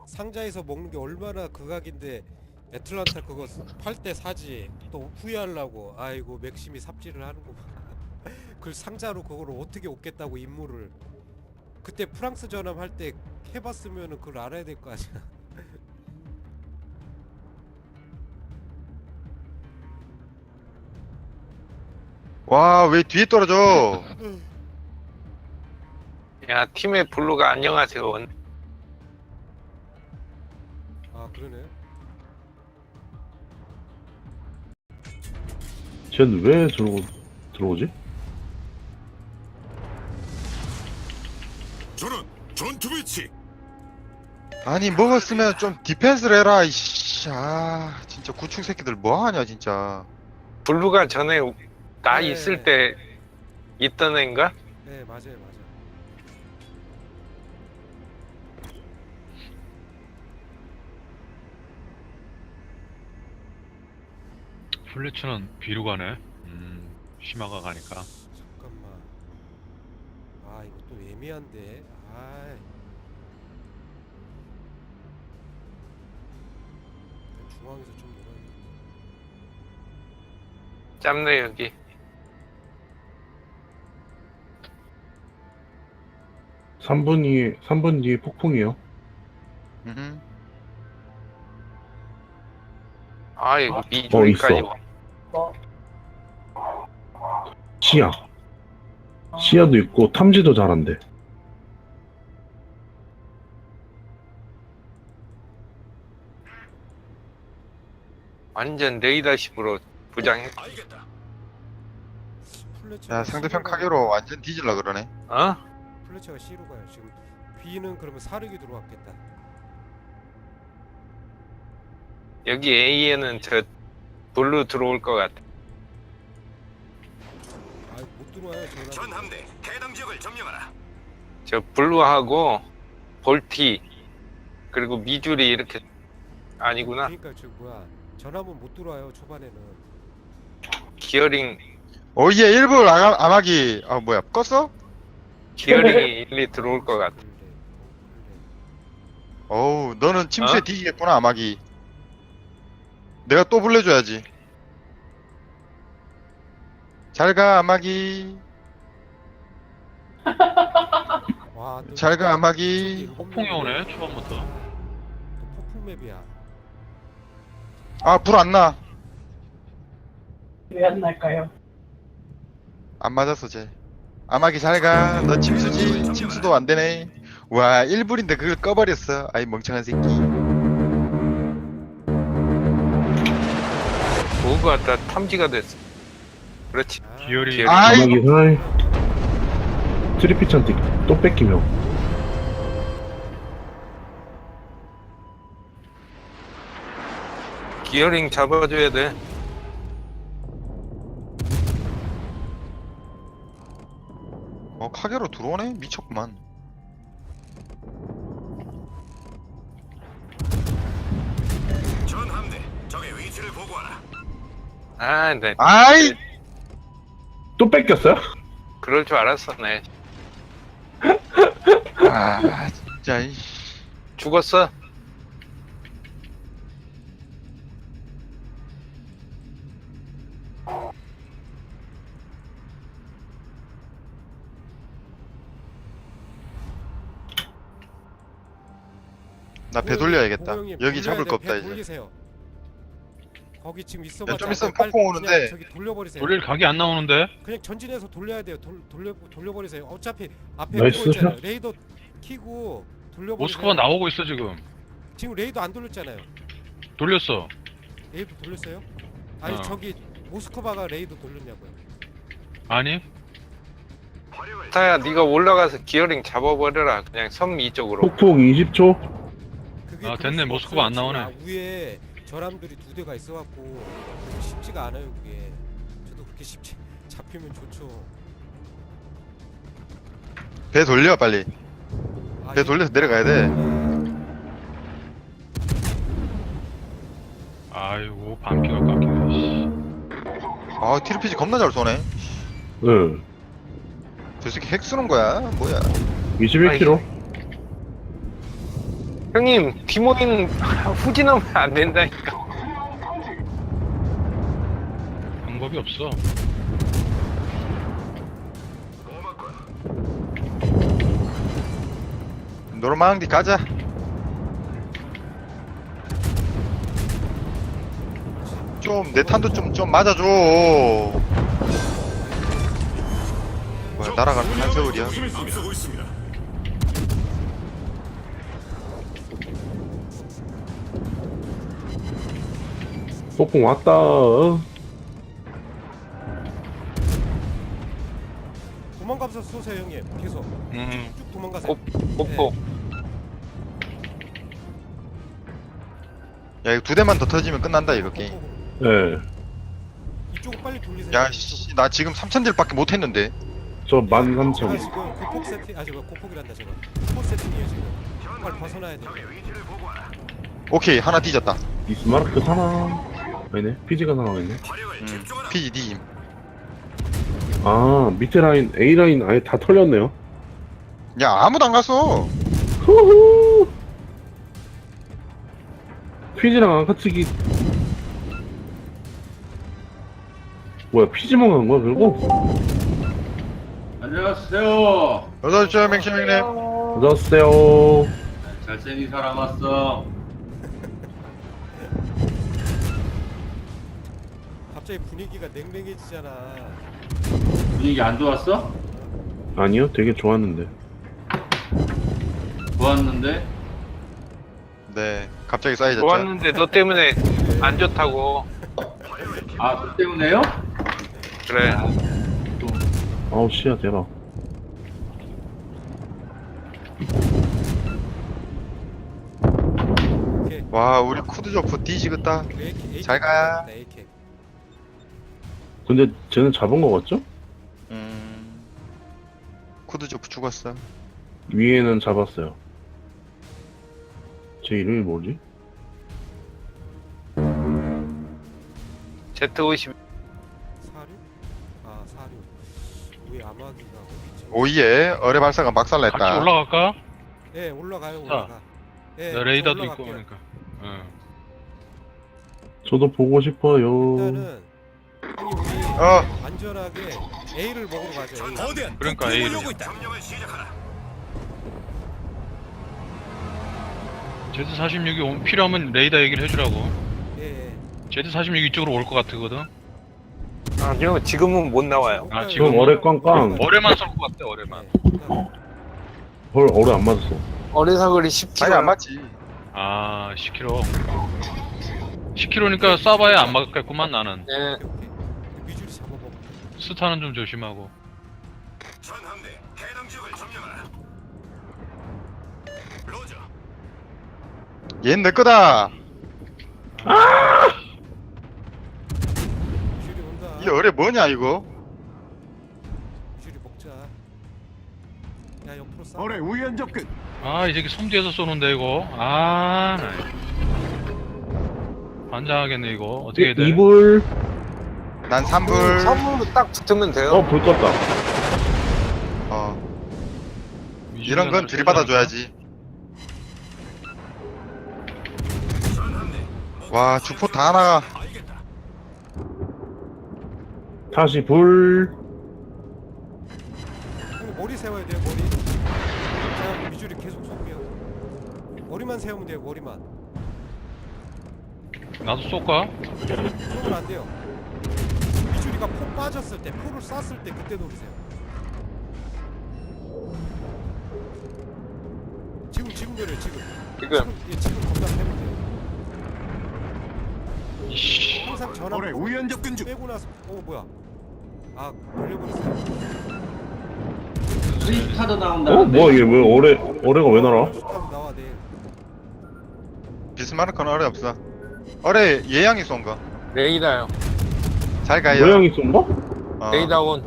상자에서 먹는 게 얼마나 극악인데 애틀란타 그거 팔 때 사지 또 후회하려고. 아이고 맥심이 삽질을 하는구만. 그 상자로 그걸 어떻게 얻겠다고 임무를. 그때 프랑스 전함 할 때 해봤으면은 그걸 알아야 될 거 아니야. 와, 왜 뒤에 떨어져? 야, 팀의 블루가 안녕하세요. 아 그러네. 쟤는 왜 들어오지? 저는 전투 배치. 아니, 먹었으면 좀 디펜스를 해라, 이씨. 아, 진짜 구축 새끼들 뭐 하냐, 진짜. 블루가 전에 나 네. 있을 때 있던 애인가? 네 맞아요 맞아. 플래츠는 B로 가네. 시마가 가니까. 잠깐만. 아 이거 또 애매한데. 아이. 중앙에서 좀 놀아야. 짬내 여기. 삼 분 뒤에 폭풍이요. 음. 아 이거 미주리까지. 있어. 시야도 있고 탐지도 잘한대. 완전 레이더십으로 부장해. 알겠다. 플래처가 야, 상대편 C로 가요. 카게로 완전 뒤질라 그러네. 어? 플래처가 C로 가요. 지금 B는 그러면 사륙이 들어왔겠다. 여기 A에는 저 블루 들어올 것 같아. 아 못 들어와요. 전 전화. 함대 해당 지역을 점령하라. 저 블루하고 볼티 그리고 미주리 이렇게 아니구나. 그러니까 저 뭐야 전함은 못 들어와요 초반에는. 기어링 어예, 일부 암하기. 아, 뭐야, 껐어? 기어링이 일리 들어올 것 같아. 어우, 너는 침수에 어? 뒤지겠구나, 암하기. 내가 또 불러줘야지. 잘가, 암하기. 와, 또 잘가, 이쪽에 암하기. 일곱 폭풍이 명이네. 오네, 초반부터. 또 폭풍 맵이야. 아, 불 안 나. 왜 안 날까요? 안 맞았어, 쟤. 암하기 잘가. 너 침수지? 침수도 안 되네. 와, 1불인데 그걸 꺼버렸어. 아이, 멍청한 새끼. 보고가 다 탐지가 됐어. 그렇지. 아, 기어리. 아이. 암흑이 사이 트리피찬테 또 뺏기며. 기어링 잡아줘야 돼. 카게로 들어오네? 미쳤구만. 전 함대 적의 위치를 보고하라. 아, 네. 아이! 또 뺏겼어요? 그럴 줄 알았어, 네. 아, 진짜, 이씨. 죽었어? 나 배 돌려야겠다. 고경님, 여기 잡을 돌려야 거 돼. 없다, 배 이제. 돌리세요. 거기 지금 야, 있어봤자 좀 있으면 빨리 폭풍 오는데. 그냥 저기 돌려버리세요. 돌릴 각이 안 나오는데? 그냥 전진해서 돌려야 돼요. 돌려버리세요. 어차피 앞에 나이스. 그거 있잖아요. 레이더 키고 돌려버리세요. 모스크바 나오고 있어, 지금. 지금 레이더 안 돌렸잖아요. 돌렸어. 레이더 돌렸어요? 아니 어. 저기 모스크바가 레이더 돌렸냐고요. 아니? 화력을 타야, 네가 올라가서 기어링 잡아버려라. 그냥 섬 이쪽으로. 폭풍 20초. 그게 아, 그럴 됐네. 수가 모스크바 없어요. 안 나오네. 지금 위에 전함들이 두 대가 있어갖고 쉽지가 않아요 그게. 저도 그렇게 쉽지 잡히면 좋죠. 배 돌려, 빨리. 아, 배 돌려서 내려가야 돼. 아이고, 반피가 깎이네. 씨. 아, TRPG 겁나 잘 쏘네. 응. 저 새끼 핵 쓰는 거야? 뭐야? 21km. 형님 디모인 후진하면 안 된다니까. 방법이 없어. 노르망디 가자. 좀 내 탄도 좀 맞아줘. 뭐야 날아가는 한세월이야. 앞서고 있습니다. 소풍 왔다. 도망가면서 쏘세요 형님. 계속 쭉 도망가세요. 뽀뽀. 야 이거 2대만 더 터지면 끝난다 이거 게임. 예. 이쪽으로 빨리 돌리세요. 야씨 나 지금 3,000딜밖에 못했는데. 저 아 13,000. 지금 고폭 세팅 아 지금 고폭이란다 지금. 고폭 세팅이에요 지금. 빨리 벗어나야 돼. 오케이 하나 뒤졌다. 비스마르크 사나? 아니네. 피지가 나와있네. PGD. 아, 밑에 라인, A 라인 아예 다 털렸네요. 야 아무도 안 갔어. 후후! 피지랑 안카치기. 뭐야, 피지만 간 거야, 결국? 안녕하세요. 어서오십시오 맹시명님. 어서오세요. 잘생긴 사람 왔어. 갑자기 분위기가 냉랭해지잖아. 분위기 안 좋았어? 아니요, 되게 좋았는데. 좋았는데? 네 갑자기 쌓여졌죠. 좋았는데 너 때문에 안 좋다고. 아, 그 때문에요? 그래. 아우, 씨야, 대박. 오케이. 와 우리 쿠드조프 뒤지겠다. AK 잘 가. AK. 근데 쟤는 잡은 거 같죠? 쿠드조프 죽었어. 위에는 잡았어요. 제 이름이 뭐지? Z50 사료? 아 사료. 왜 아마기가 어디지? 오이에 어뢰 발사가 같이 막살냈다. 올라갈까? 예 올라가요 올라가. 예, 나 레이더도 저 있고 올라갈게요. 그러니까. 응. 저도 보고 싶어요. 일단은 형님 우리 안전하게 A를 먹으러 가죠. A. 거대한 그러니까 폭풍이 A를. 몰려오고 있다. 점령을 시작하라. Z46이 필요하면 레이더 얘기를 해주라고. 예. Z46 이쪽으로 올 것 같거든. 아니요 지금은 못 나와요. 아, 지금 지금 어뢰 꽝꽝. 어뢰만 쏠 것 같아 어뢰만. 헐, 어뢰 안 맞았어. 어뢰사거리 10km. 아니 안 맞지. 아 10km. 10km니까 쏴봐야 안 맞겠구만 나는. 네. 오케이. 미주리 잡아먹어. 스타는 좀 조심하고. 전함대 해당 지역을 점령하라. 로저. 얜 내 거다. 미주리 온다. 이 어뢰 뭐냐 이거? 미주리 먹자. 야 옆으로 싸. 어뢰 우연 접근. 아 이 새끼 섬 뒤에서 쏘는데 이거. 아 나. 반장하겠네 이거. 어떻게 해야 돼? 이불. 난 3불. 3으로 딱 붙으면 돼요. 불 껐다. 이런 건 들이받아줘야지. 와 주포 다 나가. 알겠다. 다시 불. 형님 머리 세워야 돼요 머리. 자 미주리 계속 쏠게요. 머리만 세우면 돼요 머리만. 나도 쏠까? 쏘면 안 돼요. 미주리가 포 빠졌을 때 포를 쐈을 때 그때 노리세요. 지금 노려 지금. 예, 지금 겁나 패면 돼요. 이씨. 항상 전화 어뢰 우연 접근 중. 빼고 나서 뭐야? 아 걸려버렸어요. 스위스타드 나온다는데? 뭐야, 얘 왜 어뢰가 왜 날아? 하면 나와 내일. 비스마르크는 어뢰 없어. 어뢰 예양이 쏜 거. 레이더요. 잘 가요. 모양이 쏜 거? 어. 레이더 온.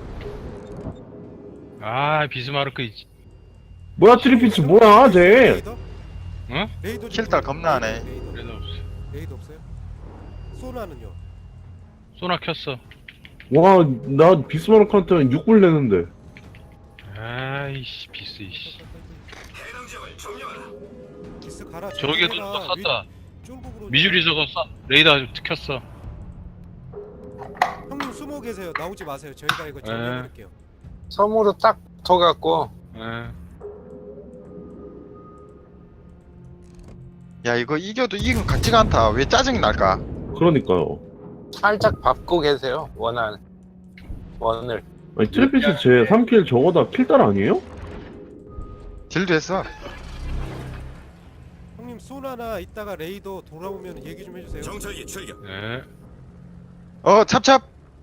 아 비스마르크 뭐야, 트리피츠 뭐야, 쟤? 레이더? 응? 레이더 킬달 겁나 하네. 레이더 없어. 레이더 없어요? 소나는요? 소나 켰어. 와, 나 비스마르크한테는 6불 내는데. 아이씨 비스 이씨. 해당 지역을 점령하라. 기스 가라. 저기에도 해라. 또 쐈다. 쫄고 그러냐. 미주리 저거 레이더 켰어. 형님 숨어 계세요. 나오지 마세요. 저희가 이거 정리해볼게요. 섬으로 딱 붙어갖고 예. 야 이거 이겨도 이긴 것 같지가 않다. 왜 짜증이 날까? 그러니까요. 살짝 밟고 계세요. 원을. 아니 트래피스 제 3킬 저거다 킬달 아니에요? 딜도 했어. 형님 소나나 이따가 레이더 돌아오면 얘기 좀 해주세요. 정찰기 출격. 예. 찹찹.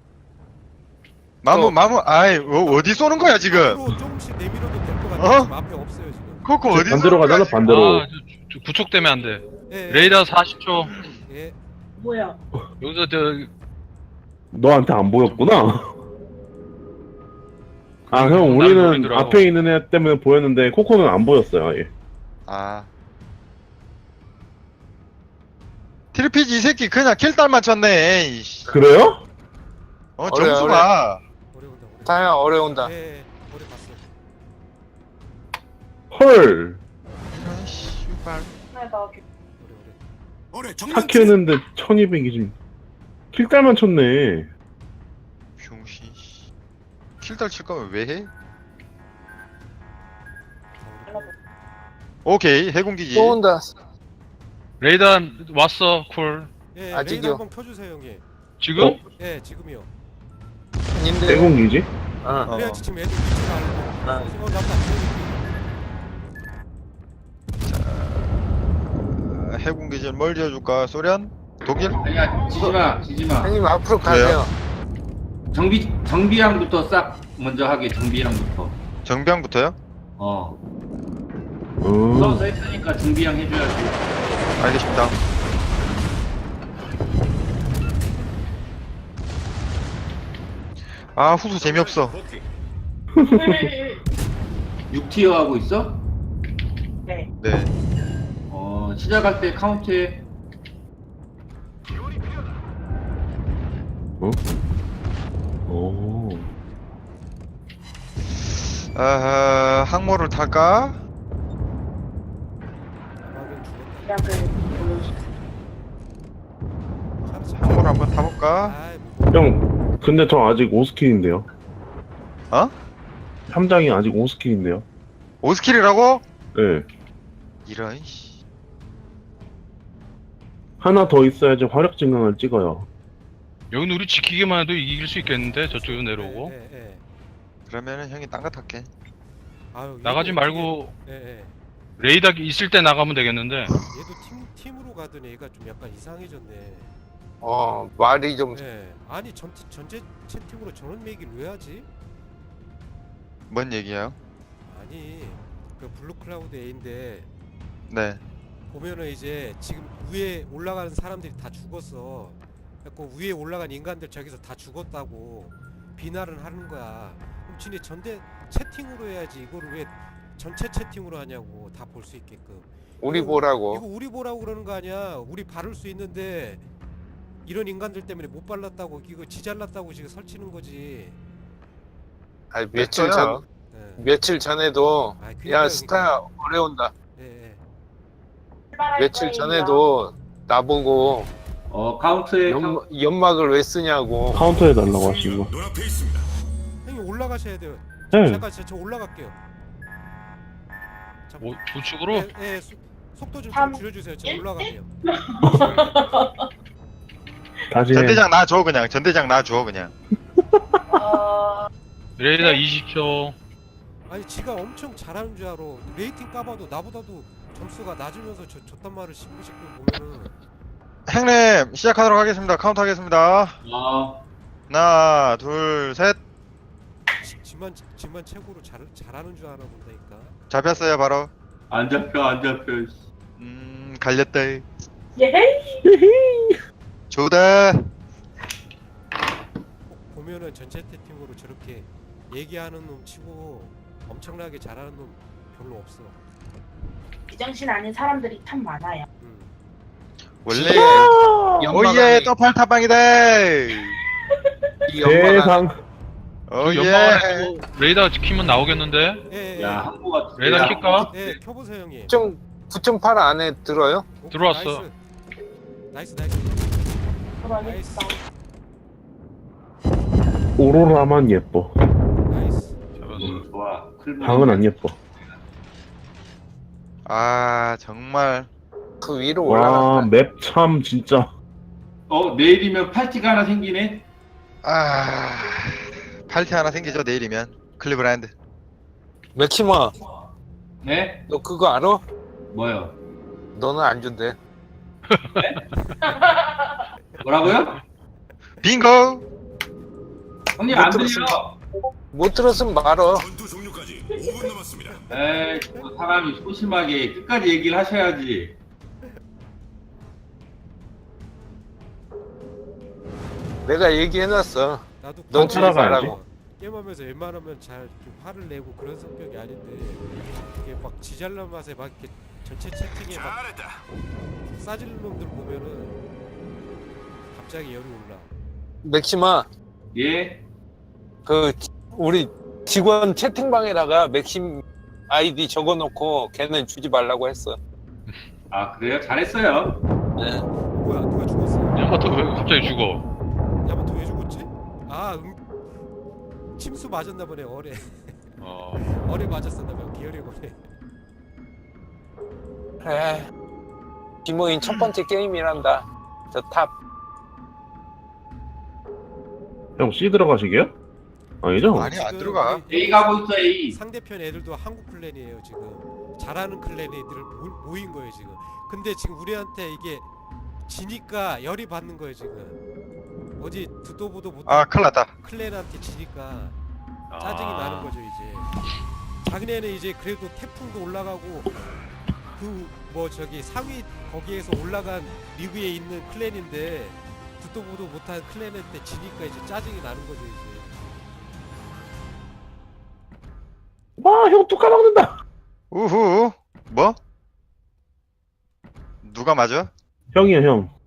마무 아이 어디 쏘는 거야 지금? 앞으로 조금씩 내밀어도 될 것 같아요. 어? 지금 앞에 없어요 지금. 코코 어디 반대로 쏘는 가잖아 거야, 지금? 반대로. 아, 저 구촉되면 안 돼. 예, 예. 레이더 40초. 예. 뭐야? 여기서 너한테 안 보였구나. 아 형 나를 우리는 노리더라고. 앞에 있는 애 때문에 보였는데 코코는 안 보였어요 아예. 아. 트리피지 이 새끼 그냥 킬딸 맞췄네. 이씨. 그래요? 점수가. 어려운다. 어려운다. 다야 어려운다. 예, 예. 어려 봤어. 헐. 이런 씨발. 나 어려. 올해 정면 4킬 했는데 1200이지. 킬달만 쳤네. 병신. 씨. 킬딸 칠 거면 왜 해? 오케이 해군기지. 또 온다. 레이더 왔어. 쿨. 예, 아직이요. 레이더 한번 켜주세요 형님. 지금? 어? 예, 지금이요. 님들. 대공기지? 어. 그래야지 지금 애들 위치가 알고. 아. 해군기지를 뭘 지어줄까? 소련? 독일? 아니야 지지마. 형님 앞으로 그래요? 가세요. 정비함부터 싹 먼저 하게. 정비함부터. 정병부터요? 써서 했으니까 정비함 해줘야지. 알겠습니다. 아 후수 재미없어. 복귀. 6티어 하고 있어? 네. 네. 시작할 때 카운트해. 오. 아하 항모를 탈까? 약을 보여줘. 항모를 한번 타볼까? 아이, 형 근데 저 아직 5스킬인데요. 어? 함장이 아직 5스킬인데요. 5스킬이라고? 네. 이런 씨. 하나 더 있어야지 화력 증강을 찍어요. 여기는 우리 지키기만 해도 이길 수 있겠는데 저쪽으로 내려오고. 예, 예. 그러면은 형이 딴 거 탈게. 아유, 나가지 얘도 말고 어떻게- 예, 예. 레이더 있을 때 나가면 되겠는데. 얘도 팀으로 가던 애가 좀 약간 이상해졌네. 말이 좀 예. 아니 전체 채팅으로 저런 얘기를 왜 하지? 뭔 얘기야? 아니 그 블루 클라우드 A인데 네. 보면은 이제 지금 위에 올라가는 사람들이 다 죽었어. 그 위에 올라간 인간들 저기서 다 죽었다고 비난을 하는 거야. 그럼 지네 전대 채팅으로 해야지. 이거를 왜 전체 채팅으로 하냐고 다 볼 수 있게끔. 우리 이거 보라고. 우리 보라고 그러는 거 아니야. 우리 바를 수 있는데 이런 인간들 때문에 못 발랐다고 이거 지잘났다고 지금 설치는 거지. 아니, 됐어요. 예. 며칠 전에도 아이, 야 그러니까요, 스타야 어려운다. 예, 예. 며칠 전에도 나보고 카운트해. 연막을 왜 쓰냐고. 카운터 해달라고 하시는 거. 눈앞에 있습니다. 형님 올라가셔야 돼요. 네. 잠깐 저 올라갈게요. 뭐 우측으로? 예, 예, 속도 좀 삼, 줄여주세요. 저 올라갈게요. 다시 해. 전대장 놔줘 그냥. 전대장 놔줘 그냥. 레이더 20초. 아니 지가 엄청 잘하는 줄 알아. 레이팅 까봐도 나보다도 점수가 낮으면서 저딴 말을 씹고 보면은 형님 시작하도록 하겠습니다. 카운트 하겠습니다. 하나 둘 셋. 지만 최고로 잘하는 줄 아나 본다니까. 잡혔어요 바로. 안 잡혀. 갈렸다. 예? 좋다. 보면은 전체 채팅으로 저렇게 얘기하는 놈 치고 엄청나게 잘하는 놈 별로 없어. 비정신 아닌 사람들이 참 많아요. 원래 연막이- 오예 또 팔타방이다. 이 연막은 세상. 오예. 레이더 지키면 나오겠는데? 예, 예. 야 항모가 레이더 킬까? 예, 켜보세요 형님. 좀 9.8 안에 들어요? 오케이, 들어왔어. 나이스. 그러겠다. 오로라만 예뻐. 나이스. 잡았어. 좋아. 방은 안 예뻐. 아 정말 그 위로 와, 올라갔다. 맵 참 진짜. 내일이면 팔찌가 하나 생기네. 아 팔티 하나 생기죠 내일이면 클리브랜드. 맥시마, 네? 너 그거 알아? 뭐요? 너는 안 준대. 뭐라고요? 빙고. 형님 못 안 들었습니다. 들려. 못 들었으면 말어. 전투 종료까지 5분 남았습니다. 에이, 사람이 소심하게 끝까지 얘기를 하셔야지. 내가 얘기해놨어. 나도 넌 게임하면서 따라가야지. 게임하면서 웬만하면 잘 좀 화를 내고 그런 성격이 아닌데 이게 막 지잘난 맛에 막 이렇게 전체 채팅에 막 잘했다. 싸지는 놈들 보면은 갑자기 열이 올라. 맥시마, 예? 그 우리 직원 채팅방에다가 맥심 아이디 적어놓고 걔는 주지 말라고 했어. 아, 그래요? 잘했어요. 네. 뭐야 누가 죽었어? 야마토 왜 갑자기 죽어? 야마토 왜 죽었지? 아 침수 맞았나 보네. 어뢰 어뢰 맞았었나 봐. 기어리 어뢰. 그래. 김호인 첫 번째 게임이란다. 저 탑. 형 C 들어가시게요? 아니죠? 아니 안 들어가. A 가고 있어, A. 상대편 애들도 한국 클랜이에요 지금. 잘하는 클랜 애들을 모인 거예요 지금. 근데 지금 우리한테 이게 지니까 열이 받는 거예요 지금. 어디 듣도 보도 못한 아 큰일났다. 클랜한테 지니까 짜증이 나는 거죠 이제. 작년에는 이제 그래도 태풍도 올라가고 그 뭐 저기 상위 거기에서 올라간 리그에 있는 클랜인데 듣도 보도 못한 클랜한테 지니까 이제 짜증이 나는 거죠 이제. 와, 형 또 까먹는다. 우후. 뭐? 누가 맞아? 형이야, 형.